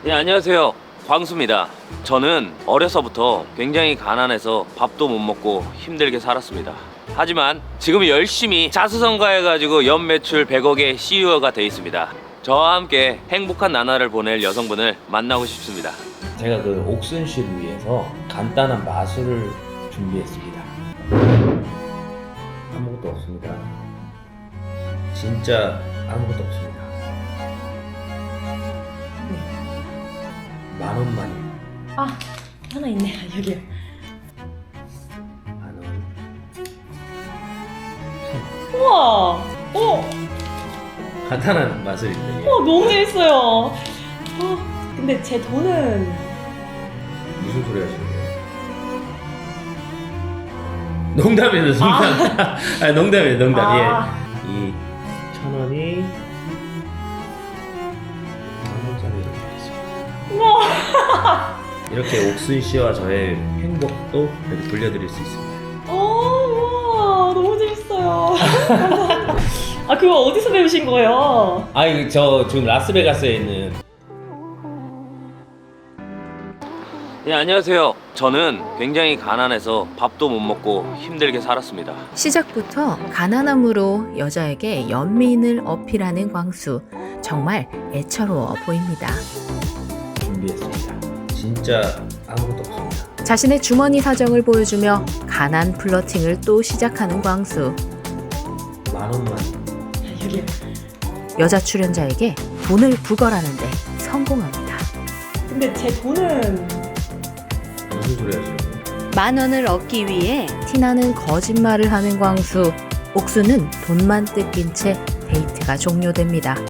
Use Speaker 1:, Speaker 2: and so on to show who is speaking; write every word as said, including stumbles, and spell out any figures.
Speaker 1: 예, 안녕하세요. 광수입니다. 저는 어려서부터 굉장히 가난해서 밥도 못 먹고 힘들게 살았습니다. 하지만 지금 열심히 자수성가해가지고 연매출 백억의 씨이오가 돼 있습니다. 저와 함께 행복한 나날을 보낼 여성분을 만나고 싶습니다. 제가 그 옥순 씨를 위해서 간단한 마술을 준비했습니다. 아무것도 없습니다. 진짜 아무것도 없습니다. 만 원만이.
Speaker 2: 아, 하나 있네요. 여기요.
Speaker 1: 만 원.
Speaker 2: 우와. 어,
Speaker 1: 간단한 마술인데.
Speaker 2: 어, 너무 재밌어요. 어, 근데 제 돈은
Speaker 1: 무슨 소리 하시는 거예요? 농담이에요, 농담. 아, 아 농담이에요, 농담.
Speaker 2: 아.
Speaker 1: 예. 이 천 원이 만 원짜리 이렇게 있습니다.
Speaker 2: 우와.
Speaker 1: 이렇게 옥순 씨와 저의 행복도 이렇게 돌려드릴 수 있습니다.
Speaker 2: 어, 우와. 너무 재밌어요. 감사합니다. 아, 그거 어디서 배우신 거예요?
Speaker 1: 아, 이거 저 지금 라스베가스에 있는. 예, 안녕하세요. 저는 굉장히 가난해서 밥도 못 먹고 힘들게 살았습니다.
Speaker 3: 시작부터 가난함으로 여자에게 연민을 어필하는 광수. 정말 애처로워 보입니다.
Speaker 1: 준비했습니다. 진짜 아무것도 없습니다.
Speaker 3: 자신의 주머니 사정을 보여주며 가난 플러팅을 또 시작하는 광수.
Speaker 1: 만 원만.
Speaker 2: 여기요.
Speaker 3: 여자 출연자에게 돈을 부걸하는데 성공합니다.
Speaker 2: 근데 제 돈은
Speaker 1: 무슨 소리 하시는 거예요?
Speaker 3: 만 원을 얻기 위해 티나는 거짓말을 하는 광수. 옥수는 돈만 뜯긴 채 데이트가 종료됩니다.